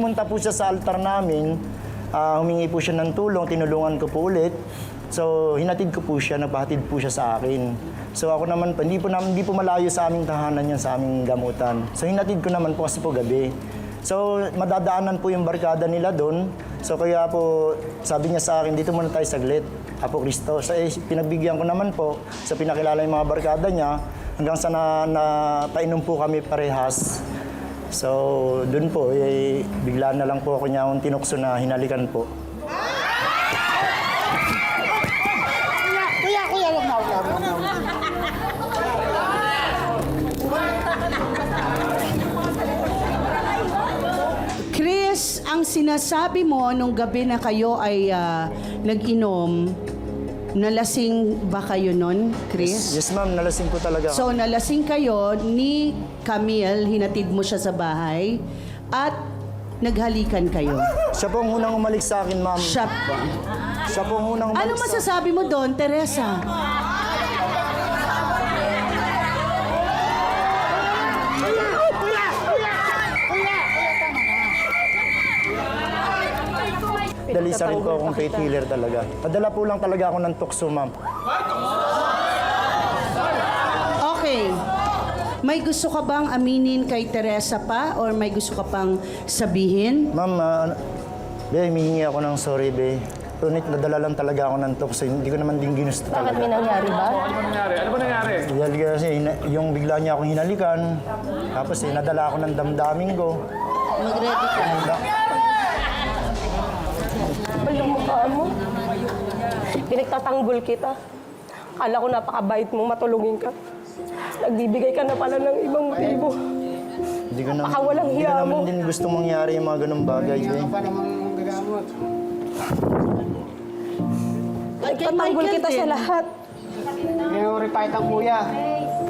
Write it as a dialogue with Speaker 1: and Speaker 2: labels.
Speaker 1: pumunta po siya sa altar namin, humingi po siya ng tulong, tinulungan ko po ulit. So, hinatid ko po siya, nagpahatid po siya sa akin. So, ako naman po, hindi po malayo sa aming tahanan yan, sa aming gamutan. So, hinatid ko naman po kasi po gabi. So, madadaanan po yung barkada nila doon. So, kaya po, sabi niya sa akin, dito muna tayo saglit, Apo Kristo. So, pinagbigyan ko naman po, sa pinakilala yung mga barkada niya, hanggang sa napainom po kami parehas. So, doon po, bigla na lang po ako niya akong tinukso na hinalikan po.
Speaker 2: Kuya, wag na.
Speaker 3: Chris, ang sinasabi mo nung gabi na kayo ay nag-inom, nalasing ba kayo nun, Chris?
Speaker 1: Yes, ma'am, nalasing po talaga ako.
Speaker 3: So, nalasing kayo ni Camille, hinatid mo siya sa bahay, at naghalikan kayo.
Speaker 1: Siya po ang unang umalik sa akin, ma'am.
Speaker 3: Siya,
Speaker 1: Siya po ang unang umalik
Speaker 3: ano masasabi mo doon, Teresa?
Speaker 1: Dalisa rin po akong faith healer talaga. Padala po lang talaga ako ng tukso, ma'am.
Speaker 3: Okay. May gusto ka bang aminin kay Teresa pa or may gusto ka pang sabihin?
Speaker 1: Ma'am, be, humihingi ako ng sorry, be. Ngunit nadala lang talaga ako ng tukso. Hindi ko naman din ginusto
Speaker 2: Bakit
Speaker 1: talaga.
Speaker 2: may nangyari ba?
Speaker 4: Ano ba nangyari? Ano ba nangyari?
Speaker 1: Dahil kasi yung bigla niya akong hinalikan, tapos nadala ako ng damdamin ko.
Speaker 2: Mag-ready ka. Kapal yung mukha mo. Pinagtatanggol kita. Akala ko napakabait mo, matulungin ka. Nagbibigay ka na pala ng ibang motibo.
Speaker 1: Hindi ko naman,
Speaker 2: Baka walang
Speaker 1: hindi ko
Speaker 2: hiya
Speaker 1: naman
Speaker 2: mo.
Speaker 1: din gusto mangyari yung mga ganung bagay, be.
Speaker 2: Nagtatanggol kita sa lahat.
Speaker 5: Pinurify ang kuya.